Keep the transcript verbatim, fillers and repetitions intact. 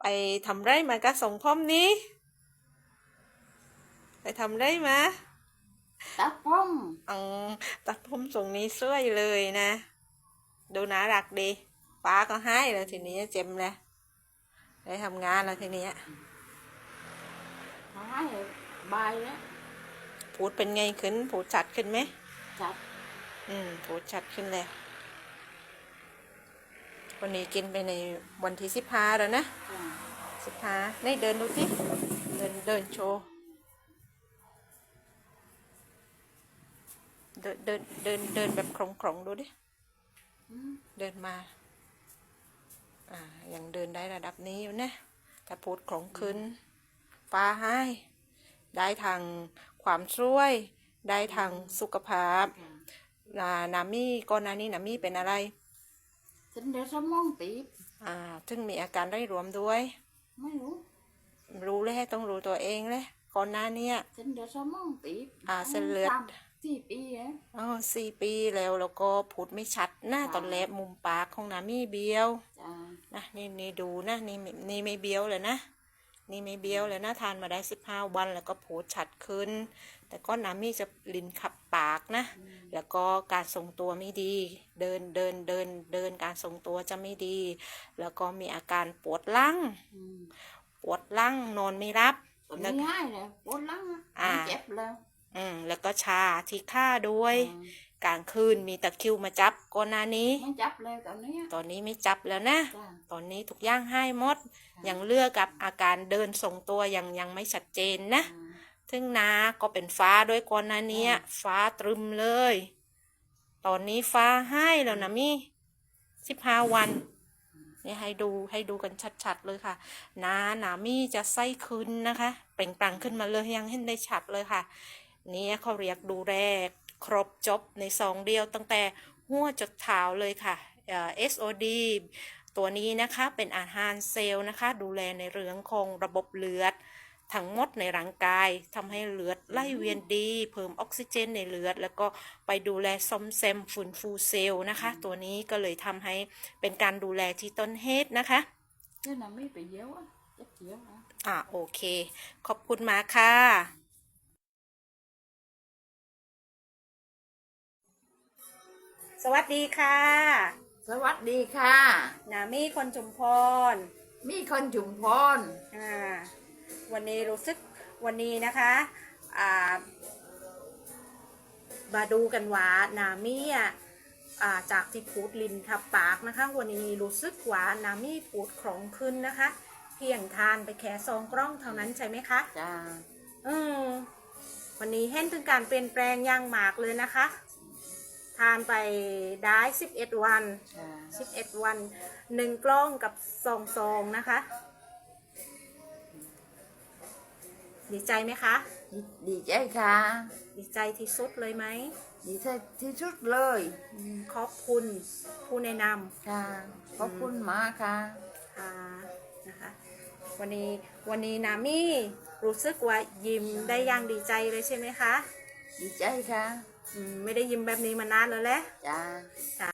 ทำไรมากะส่งพร้อมนี้ไปทำไรมาตัดผมอืมตัดผมทรงนี้สวยเลยนะดูน่ารักดีป้าก็ให้แล้วทีนี้เจ็มเลยได้ทำงานแล้วทีนี้ให้ใบแล้วพูดเป็นไงขึ้นพูดชัดขึ้นไหมชัดอืมพูดชัดขึ้นแล้ววันนี้กินไปในวันที่สิบห้าแล้วนะสิบห้านี่เดินดูสิเดินเดินโชว์เดินเดินเดินเดินแบบคล่องๆดูดิเดินมาอ่ายังเดินได้ระดับนี้อยู่นะแต่พูดคล่องขึ้นฟ้าให้ได้ทางความช่วยได้ทางสุขภาพนานามี่ก่อนหน้านี้นามี่เป็นอะไรฉันเดี๋ยวสมองตีบอ่าถึงมีอาการได้รวมด้วยไม่รู้รู้เลยต้องรู้ตัวเองเลยก่อนหน้านี้ฉันเดี๋ยวสมองตีบอ่าเส้นเลือดสี่ปีเองอ๋อสี่ปีแล้วแล้วก็พูดไม่ชัดหน้าตอนแรกมุมปากของนามี่เบี้ยวนะนี่นี่ดูนะนี่นี่ไม่เบี้ยวเลยนะนี่ไม่เบี้ยวเลยนะทานมาได้สิบห้าวันแล้วก็พูดชัดขึ้นแต่ก็นามี่จะลิ้นขับปากนะแล้วก็การทรงตัวไม่ดีเดินเดินเดินเดินการทรงตัวจะไม่ดีแล้วก็มีอาการปวดหลังปวดหลังนอนไม่รับไม่ง่ายเลยปวดหลังอ่าเจ็บแล้วอืมแล้วก็ชาที่ข้าด้วยกลางคืนมีตะคริวมาจับก่อนหน้านี้ไม่จับเลยตอนนี้ตอนนี้ไม่จับแล้วนะตอนนี้ทุกอย่างให้หมดยังเลือกกับอาการเดินทรงตัวยังยังไม่ชัดเจนนะถึงนาก็เป็นฟ้าด้วยก่อนหน้านี้ฟ้าตรึมเลยตอนนี้ฟ้าให้แล้วนะมี่สิบห้าวันนี่ให้ดูให้ดูกันชัดๆเลยค่ะนาหนามี่จะไส้คืนนะคะเปล่งปลั่งขึ้นมาเลยยังเห็นได้ชัดเลยค่ะนี่เขาเรียกดูแลครบจบในซองเดียวตั้งแต่หัวจดเท้าเลยค่ะ เอส โอ ดี ตัวนี้นะคะเป็นอาหารเซลล์นะคะดูแลในเรื่องของระบบเลือดทั้งหมดในร่างกายทำให้เลือดไหลเวียนดีเพิ่มออกซิเจนในเลือดแล้วก็ไปดูแลซ่อมแซมฟื้นฟูเซลล์นะคะตัวนี้ก็เลยทำให้เป็นการดูแลที่ต้นเหตุนะคะเจ้าหน้าไม่ไปเยอะเจ็บเยอะอ่าโอเคขอบคุณมาค่ะสวัสดีค่ะสวัสดีค่ะนามี่คนชุมพรมีคนชุมพรอ่าวันนี้รู้สึกวันนี้นะคะอ่ามาดูกันว่านามี่อ่ะจากที่พูดลิ้นทับปากนะคะวันนี้รู้สึกว่านามี่พูดคล่องขึ้นนะคะเพียงทานไปแค่ซองกล้องเท่านั้นใช่ไหมคะจ้าอืมวันนี้เห็นถึงการเปลี่ยนแปลงอย่างมากเลยนะคะทานไปได้สิบเอ็ดวันสิบเอ็ดวันหนึ่งกล้องกับสองซองนะคะดีใจไหมคะดีใจค่ะดีใจที่สุดเลยไหมดีใจที่สุดเลยขอบคุณผู้แนะนำค่ะขอบคุณมากค่ะค่ะนะคะวันนี้วันนี้นามี่รู้สึกว่ายิ้มได้อย่างดีใจเลยใช่ไหมคะดีใจค่ะไม่ได้ยิ้มแบบนี้มานานแล้วแหละจ้า